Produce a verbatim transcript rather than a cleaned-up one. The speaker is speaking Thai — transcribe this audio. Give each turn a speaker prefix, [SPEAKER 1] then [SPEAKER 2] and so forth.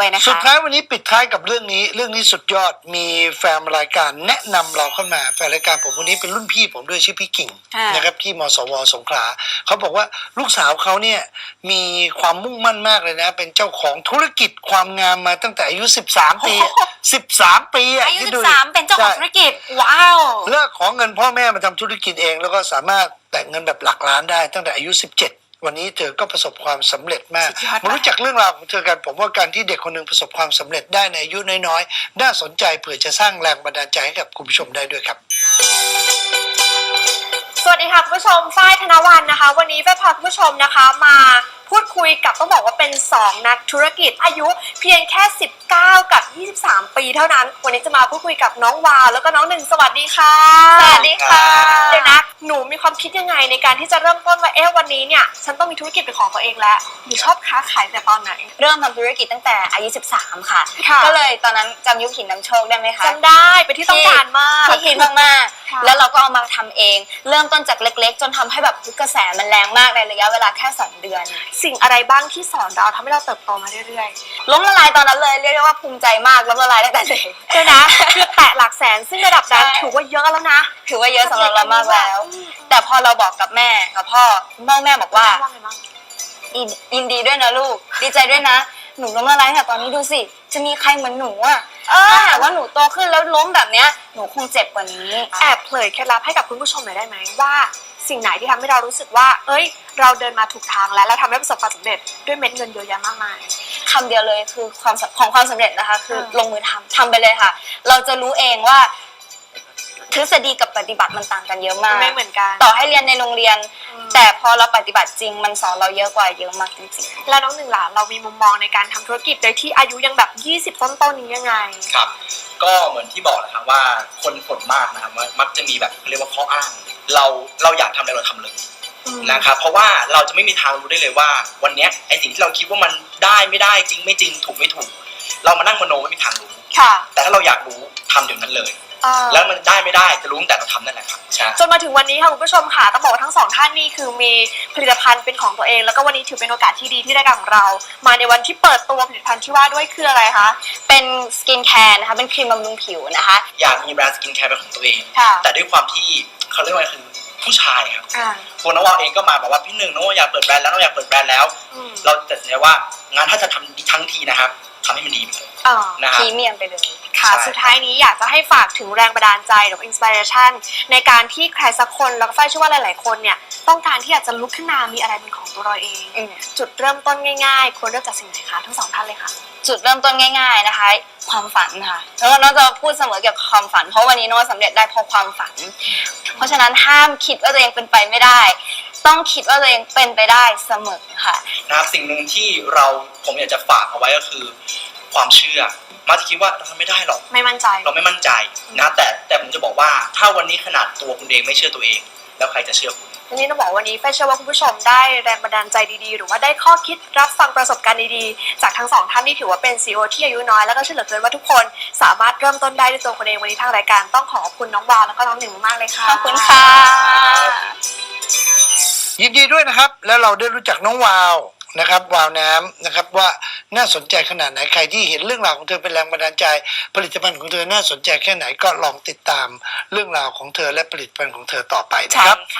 [SPEAKER 1] ไปนะคะ
[SPEAKER 2] สุดท้ายวันนี้ปิดท้ายกับเรื่องนี้เรื่องนี้สุดยอดมีแฟนรายการแนะนำเราเข้ามาแฟนรายการผมวันนี้เป็นรุ่นพี่ผมด้วยชื่อพี่กิ่งนะครับที่มสวสงขลาเขาบอกว่าลูกสาวเขาเนี่ยมีความมุ่งมั่นมากเลยนะเป็นเจ้าของธุรกิจความงามมาตั้งแต่อายุสิบสามปีสิบสามปี
[SPEAKER 1] อายุสิบสามเป็นเจ้าของธุรกิจว้าว
[SPEAKER 2] เลิกขอเงินพ่อแม่มาทำธุรกิจเองแล้วก็สามารถแตะเงินแบบหลักล้านได้ตั้งแต่อายุสิบเจ็ดวันนี้เธอก็ประสบความสำเร็จมากมารู้จักเรื่องราวของเธอกันผมว่าการที่เด็กคนหนึ่งประสบความสำเร็จได้ในอายุน้อยๆน่าสนใจเผื่อจะสร้างแรงบันดาลใจให้กับคุณผู้ชมได้ด้วยครับ
[SPEAKER 3] สวัสดีค่ะคุณผู้ชมฝ้ายธนวรรณนะคะวันนี้ฝ้ายพาคุณผู้ชมนะคะมาพูดคุยกับต้องบอกว่าเป็นสองนักธุรกิจอายุเพียงแค่สิบเก้ากับยี่สิบสามปีเท่านั้นวันนี้จะมาพูดคุยกับน้องวาวแล้วก็น้องหนึ่งสวัสดีค่ะ
[SPEAKER 1] สวัสดีค่ะ
[SPEAKER 3] เดี๋ยวนะหนูมีความคิดยังไงในการที่จะเริ่มต้นว่าเอ๊ะวันนี้เนี่ยฉันต้องมีธุรกิจเป็นของตัวเองแล้วหนูชอบค้าขายแต่ตอนไหน
[SPEAKER 1] เริ่มทำธุรกิจตั้งแต่อายุสิบสามค่ะก็เลยตอนนั้นจำยุคหินน้ำโชคได้ไหมคะ
[SPEAKER 3] จำได้เป็นที่ต้องการมาก
[SPEAKER 1] ที่ฮิตมากๆแล้วเราก็เอามาทำเองเริ่มต้นจากเล็กๆจนทำให้แบบกระแสมันแรงมากในระยะเวลาแค่สองเดือน
[SPEAKER 3] สิ่งอะไรบ้างที่สอนเราทำให้เราเติบโตมาเรื่อย
[SPEAKER 1] ๆล้มละลายตอนนั้นเลยเรียกได้ว่าภูมิใจมากล้มละลายตั้งแต่เด็ก
[SPEAKER 3] ใช่นะคือแตะหลักแสนซึ่งระดับนั้นถือว่าเยอะแล้วนะ
[SPEAKER 1] ถือว่าเยอะสำหรับเรามากแล้วแต่พอเราบอกกับแม่กับพ่อพ่อแม่บอกว่ายินดีด้วยนะลูกดีใจด้วยนะหนูล้มละลายแต่ตอนนี้ดูสิจะมีใครเหมือนหนูอ่ะถ้าหากว่าหนูโตขึ้นแล้วล้มแบบเนี้ยหนูคงเจ็บกว่านี้
[SPEAKER 3] แอบเผยเคล็ดลับให้กับคุณผู้ชมหน่อยได้ไหมว่าสิ่งไหนที่ทำให้เรารู้สึกว่าเอ้ยเราเดินมาถูกทางแล้วเราทำให้ประสบความสำเร็จด้วยเม็ดเงินเยอะแยะมากมาย
[SPEAKER 1] คำเดียวเลยคือความของความสำเร็จนะคะคือลงมือทำทำไปเลยค่ะเราจะรู้เองว่าทฤษฎีกับปฏิบัติมันต่างกันเยอะมาก
[SPEAKER 3] ไม่เหมือนกัน
[SPEAKER 1] ต่อให้เรียนในโรงเรียนแต่พอเราปฏิบัติจริงมันสอนเราเยอะกว่าเยอะมากจริง
[SPEAKER 3] ๆแล้วน้องหนึ่งหลานเรามีมุมมองในการทำธุรกิจโดยที่อายุยังแบบยี่สิบต้นๆนี้ยังไง
[SPEAKER 4] ครับก็เหมือนที่บอกแหละครับว่าคนส่วนมากนะครับมักจะมีแบบเรียกว่าข้ออ้างเราเราอยากทำอะไรเราทำเลยนะครับเพราะว่าเราจะไม่มีทางรู้ได้เลยว่าวันนี้ไอสิ่งที่เราคิดว่ามันได้ไม่ได้จริงไม่จริงถูกไม่ถูกเรามานั่งมโนไม่มีทางรู้แต่ถ้าเราอยากรู้ทำเดี๋ยวนั้นเลยแล้วมันได้ไม่ได้จะรู้ตั้งแต่เราทำนั่นแหละครับ
[SPEAKER 3] จนมาถึงวันนี้ค่ะคุณผู้ชมค่ะต้องบอกว่าทั้งสองท่านนี่คือมีผลิตภัณฑ์เป็นของตัวเองแล้วก็วันนี้ถือเป็นโอกาสที่ดีที่รายการของเรามาในวันที่เปิดตัวผลิตภัณฑ์ที่ว่าด้วยคืออะไรคะ
[SPEAKER 1] เป็นสกินแคร์นะคะเป็นครีมบำรุงผิวนะคะ
[SPEAKER 4] อยากมีแบรนด์สกินแคร์เป็นของตัวเองแต่ด้วยความที่เขาเรียกว่าคือผู้ชายครับตัวน้องวาวเองก็มาบอกว่าพี่หนึ่งน้องอยากเปิดแบรนด์แล้วน้องอยากเปิดแบรนด์แล้วเราตัดสินใจว่างานถ้าจะทำทั้งทีนะครับทำให้มันดีไปเลย
[SPEAKER 1] นะครับพรีเมียมไปเลย
[SPEAKER 3] ค่ะสุดท้ายนี้อยากจะให้ฝากถึงแรงบันดาลใจหรืออินสปิเรชันในการที่ใครสักคนแล้วก็ฝ้ายเชื่อว่าหลายๆคนเนี่ยต้องการที่อยากจะลุกขึ้นมามีอะไรเป็นของตัวเราเองจุดเริ่มต้นง่ายๆควรเริ่มจากสิ่งไหนคะทั้งสองท่านเลยค่ะ
[SPEAKER 1] จุดเริ่มต้นง่ายๆนะคะความฝันค่ะแล้วน้องจะพูดเสมอเกี่ยวกับความฝันเพราะวันนี้น้องสำเร็จได้เพราะความฝันเพราะฉะนั้นห้ามคิดว่าตัวเองเป็นไปไม่ได้ต้องคิดว่าตัวเองเป็นไปได้เสมอค่ะ
[SPEAKER 4] นะครับสิ่งหนึ่งที่เราผมอยากจะฝากเอาไว้ก็คือความเชื่อมาจะคิดว่าเราทำไม่ได้หรอก
[SPEAKER 3] ไม่มั่นใจ
[SPEAKER 4] เราไม่มั่นใจนะแต่แต่ผมจะบอกว่าถ้าวันนี้ขนาดตัวคุณเองไม่เชื่อตัวเองแล้วใครจะเชื่อคุณ
[SPEAKER 3] ทีนี้ต้องบอกวันนี้ฝ้ายเชื่อว่าคุณผู้ชมได้แรงบันดาลใจดีๆหรือว่าได้ข้อคิดรับฟังประสบการณ์ดีๆจากทั้งสองท่านที่ถือว่าเป็น ซี อี โอ ที่อายุน้อยแล้วก็เชื่อเหลือเกินว่าทุกคนสามารถเริ่มต้นได้ด้วยตัวคนเองวันนี้ทางรายการต้องขอขอบคุณน้องวาวแล้วก็น้องหนึ่งมากเลยค่ะ
[SPEAKER 1] ขอบคุณค่ะ
[SPEAKER 2] ยินดีด้วยนะครับแล้วเราได้รู้จักน้องวาวนะครับวาวน้ำนะครับว่าน่าสนใจขนาดไหนใครที่เห็นเรื่องราวของเธอเป็นแรงบันดาลใจผลิตภัณฑ์ของเธอน่าสนใจแค่ไหนก็ลองติดตามเรื่องราวของเธอและผลิตภัณฑ์ของเธอต่อไปนะครับ